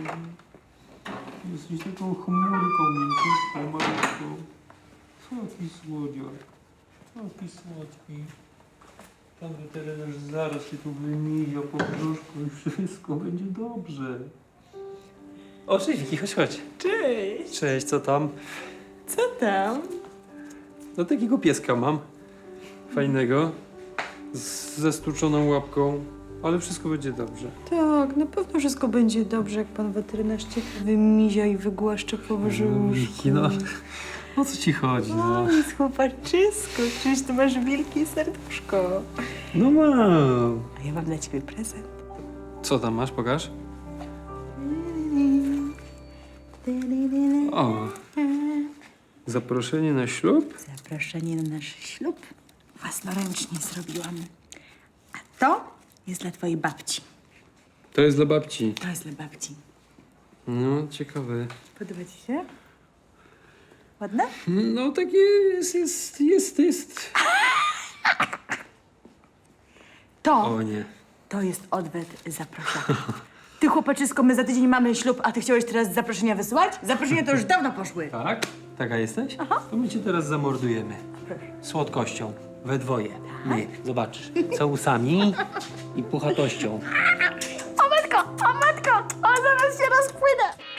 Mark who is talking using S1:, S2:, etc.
S1: Jesteś taką chmurką mięciutką, malutką. Taki słodziak. Taki słodki. Pan weterynarz zaraz się tu wymija po brzuszku i wszystko będzie dobrze. O, cześć Wiki, chodź.
S2: Cześć!
S1: Cześć, co tam?
S2: Co tam?
S1: No takiego pieska mam. Fajnego. Ze stłuczoną łapką. Ale wszystko będzie dobrze.
S2: Tak, na pewno wszystko będzie dobrze, jak pan weterynarz cię wymizia i wygłaszcze po brzuszku.
S1: Wiki, no. O co ci chodzi, no?
S2: O, jest chłopaczysko, czyś ty masz wielkie serduszko.
S1: No mam.
S2: A ja mam dla ciebie prezent.
S1: Co tam masz? Pokaż. O. Zaproszenie na ślub?
S2: Zaproszenie na nasz ślub własnoręcznie zrobiłam. A to jest dla twojej babci.
S1: To jest dla babci.
S2: To jest dla babci.
S1: No, ciekawe.
S2: Podoba ci się? Ładne?
S1: No, takie jest.
S2: To,
S1: O nie.
S2: to jest odwet zaproszenia. Ty chłopaczysko, my za tydzień mamy ślub, a ty chciałeś teraz zaproszenia wysyłać? Zaproszenia to już dawno poszły.
S1: Tak? Taka jesteś? Aha. To my cię teraz zamordujemy.
S2: Proszę.
S1: Słodkością. We dwoje. My. Zobaczysz. Całusami i puchatością.
S2: O matko, o zaraz się rozpłynę.